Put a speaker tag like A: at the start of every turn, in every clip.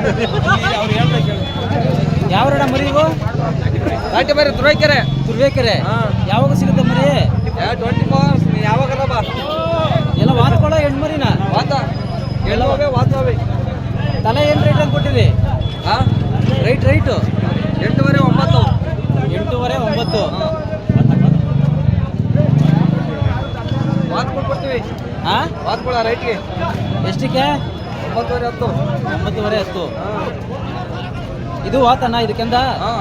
A: ಯಾವ್ರಣ ಮರಿ ಇವು?
B: ಘಾಟಿ ಮರಿ
A: ತುರುವೇಕೆರೆ. ಯಾವಾಗ ಸಿಗುತ್ತೆ ಮರಿ?
B: 24 ಯಾವಾಗ
A: ಎಲ್ಲ ವಾತ್ಕೊಳ ಹೆಣ್ಣು ಮರಿನ?
B: ವಾತವೇ
A: ತಲೆ ಏನು ರೇಟ್ ಅಂತ ಕೊಟ್ಟಿರಿ? ರೈಟು
B: 8.5 9.
A: 8.5 9.
B: ವಾತ್ಕೊಳ್ ಕೊಡ್ತೀವಿ. ವಾತ್ಕೊಳ ರೈಟ್ಗೆ
A: ಎಷ್ಟಕ್ಕೆ?
B: 9.5
A: 9.5 ಇದು ವಾತನ ಇದಕ್ಕೆಂದ?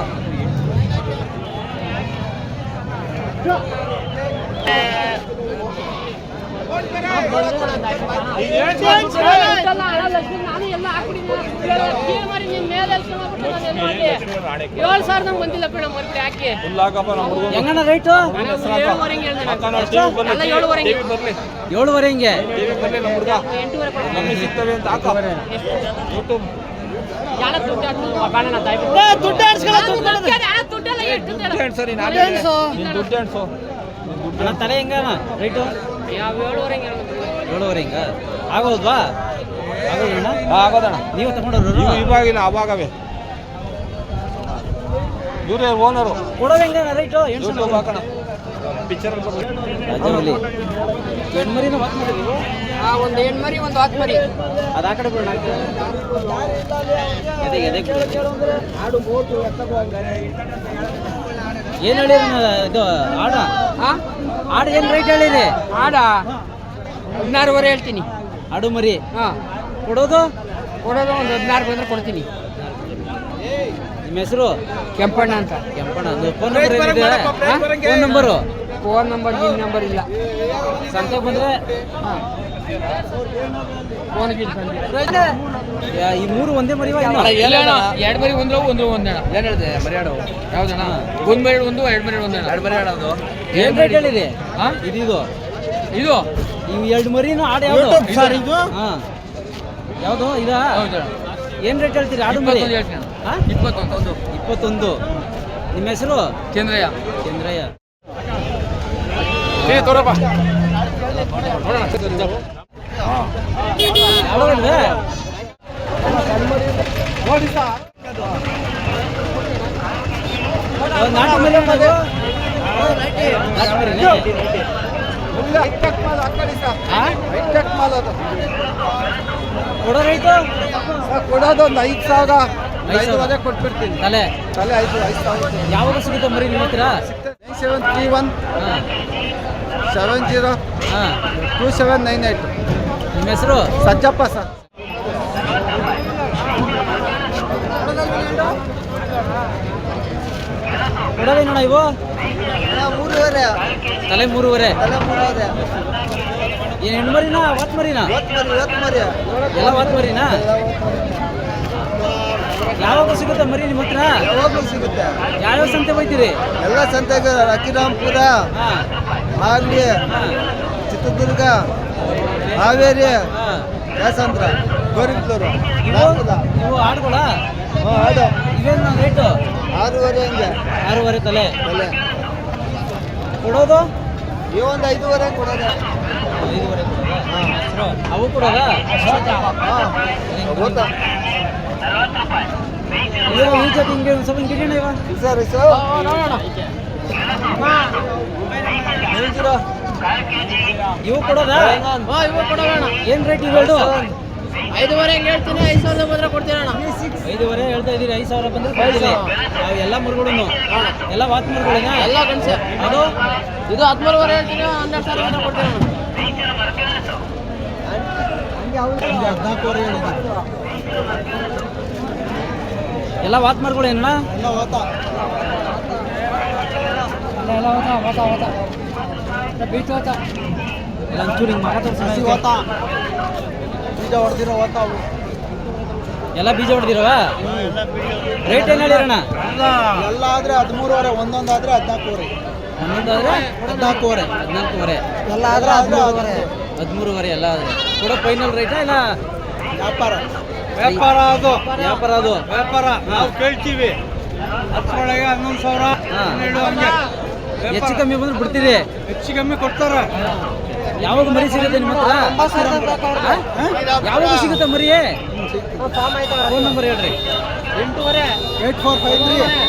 A: ಹೆಂಗಣ್ಣ ರೇಟು? 7.5 ಹಿಂಗೆ. ತಲೆ ಹೆಂಗಣ ರೇಟು? 7.5 ಹಿಂಗ ಆಗೋದ್ವಾ?
B: ಆಗೋದಣ್ಣ.
A: ನೀವು ತಗೊಂಡವ್ರು?
B: ಇವಾಗಿನ ಅವಾಗವೇ ಇವರೇ ಓನರು.
A: ಕೊಡೋದು ಹೆಂಗಣ್ಣ ರೇಟು?
B: ಹಾಕೋಣ ಪಿಕ್ಚರ್
A: ಹೆಣ್ಮರಿನ ವಾತ್ ಮಾಡಿ ನೀವು?
C: ಒಂದು ಹೆಣ್ಮರಿ ಒಂದು ವಾತ್ ಮರಿ.
A: ಅದು ಆ ಕಡೆ ಬಿಡೋಣ. ಏನು ಹೇಳಿರಿ ಇದು ಆಡ? ಆಡು ಏನು ರೇಟ್ ಹೇಳಿರಿ?
C: ಆಡ 16.5 ಹೇಳ್ತೀನಿ.
A: ಆಡು ಮರಿ ಕೊಡೋದು
C: ಒಂದು 16 ಬಂದ್ರೆ ಕೊಡ್ತೀನಿ.
A: ನಿಮ್ಮ ಹೆಸರು?
C: ಕೆಂಪಣ್ಣ ಅಂತ.
A: ಕೆಂಪಣ್ಣ. ಫೋನ್ ನಂಬರ್ ಏನಿದೆ? Phone number?
C: ಫೋನ್ ನಂಬರ್ ಈ ನಂಬರ್ ಇಲ್ಲ.
A: ಸಂತೆ ಬಂದರೆ
C: ಫೋನ್
A: ಈ ಮೂರು ಒಂದೇ ಮರಿವಾ?
C: 2 ಮರಿ ಒಂದು ಒಂದಣ್ಣ.
B: ಏನು ಹೇಳಿದೆ ಮರ್ಯಾಡ?
C: ಯಾವ್ದಣ್ಣ? 1 ಮರಿ 1 2 ಮರಿ 1
B: 2 ಮರಿ ಆಡೋದು
A: ಏನು ರೇಟ್ ಹೇಳಿದೆ? ಇದು
C: ಇವು
A: 2 ಮರಿನೂ ಆಡು ಯಾವುದು ಸರ್? ಇದು ಯಾವುದು ಇದಾ? ಏನು ರೇಟ್ ಹೇಳ್ತೀರಿ ಆಡು ಮರಿ? 21. ನಿಮ್ಮ ಹೆಸರು?
C: ಚಂದ್ರಯ್ಯ.
B: ತೋರಪ್ಪ
A: ನಾಟಿ ಮರಿ ಕೊಡೋ ರೇಟು?
B: ಕೊಡೋದು ಒಂದು 5,000 ಕೊಟ್ಬಿಡ್ತೀನಿ.
A: ತಲೆ
B: 5,000.
A: ಯಾವಾಗ ಸಿಗುತ್ತೆ ಮರಿ ನಿಮ್ಮ ಹತ್ರ?
B: 9731 70 2798.
A: ನಿಮ್ಮ ಹೆಸರು?
B: ಸಜ್ಜಪ್ಪ ಸರ್.
A: ಕೊಡೋದೇನೋಣ ಇವು?
B: 3.5.
A: ತಲೆ 3.5. ಏನು ಹೆಣ್ಣು ಮರಿನಾ ವಾತ್ ಮರಿನಾ? ಎಲ್ಲ ವಾತ್ ಮರಿನಾ? ಯಾವಾಗ ಸಿಗುತ್ತೆ ಮರಿ ನಿಮ್ಮ ಹತ್ರ?
B: ಯಾವಾಗಲೂ ಸಿಗುತ್ತೆ.
A: ಯಾವ್ಯಾವ ಸಂತೆ ಹೋಯ್ತೀರಿ?
B: ಎಲ್ಲ ಸಂತೆಗೆ ಅಕ್ಕಿರಾಂಪುರ, ಮಾಗಡಿ, ಚಿತ್ರದುರ್ಗ, ಹಾವೇರಿ, ಯಾಸಂದ್ರ, ಗೋರಿಬಿದೂರು.
A: ಇವು ಆಡುಗಳ?
B: ಆಡು
A: ಇವೇನು ರೇಟು?
B: 6.5 ಹಂಗೆ.
A: 6.5 ತಲೆ. ಕೊಡೋದು?
B: ಈ ಒಂದು 5.5 ಕೊಡೋದು.
A: 5.5 ಅವು ಕೊಡೋದಾ?
B: ಗೊತ್ತಾ
A: ಈ ಜೊತೆ ಹಿಂಗೆ ಒಂದು ಸ್ವಲ್ಪ ಹಿಂಗೆ ಇವ
B: ಸರ್
A: ಇವು ಕೊಡೋದಾ?
C: ಇವು ಕೊಡೋಣ.
A: ಏನು ರೇಟ್ ಇವೆರಡು?
C: 5.5 ಹೆಂಗೆ ಹೇಳ್ತೀನಿ. 5,000 ಬಂದ್ರೆ ಕೊಡ್ತೀರಣ್ಣ.
A: 5.5 ಹೇಳ್ತಾ ಇದ್ದೀರಿ. 5,000 ಬಂದ್ರೆ ಕೊಡ್ತೀರಿ. ಅವು ಎಲ್ಲ ಮುರುಗಳು ಎಲ್ಲ ವಾತ್ ಮುರುಗಳೇನಾ?
C: ಎಲ್ಲ ಗಣಸೆ.
A: ಅದು
C: ಇದು 13.5 ಹೇಳ್ತೀನಿ. 12,000 ಬಂದ್ರೆ ಕೊಡ್ತೀರಣ್ಣ.
A: 14 ಎಲ್ಲ ವಾತ್ ಮರಗಳೇನ?
C: ಬೀಚ್ ಹೋತ
A: ಎಲ್ಲ ಒಂಚೂರು ಹಿಂಗೆ
B: ಬೀಜ ಹೊಡೆದಿರೋ
A: ಎಲ್ಲ ಬೀಜ ಹೊಡೆದಿರವ? ರೇಟ್ ಏನು ಹೇಳಿರಣ್ಣ?
B: ಎಲ್ಲ ಆದರೆ 13.5. ಒಂದೊಂದಾದರೆ 14.5.
A: ಒಂದೊಂದಾದ್ರೆ 14.5.
B: ಎಲ್ಲ ಆದರೆ
A: 13.5 ಎಲ್ಲ ಆದರೆ ಕೂಡ ಫೈನಲ್ ರೇಟಾ ಇಲ್ಲ
B: ವ್ಯಾಪಾರ
A: ಅದು?
B: ವ್ಯಾಪಾರ ನಾವು ಕೇಳ್ತೀವಿ. 10,000 11,000 12 ಹಂಗೆ
A: ಹೆಚ್ಚು ಕಮ್ಮಿ ಬಂದ್ರೆ ಬಿಡ್ತೀರಿ?
B: ಹೆಚ್ಚು ಕಮ್ಮಿ ಕೊಡ್ತಾರೆ.
A: ಯಾವಾಗ ಮರಿ ಸಿಗುತ್ತೆ ನಿಮ್ಮ ಹತ್ರ? ಯಾವಾಗ ಸಿಗುತ್ತೆ ಮರಿ? ಫೋನ್ ನಂಬರ್ ಹೇಳ್ರಿ.
C: 8
B: 8453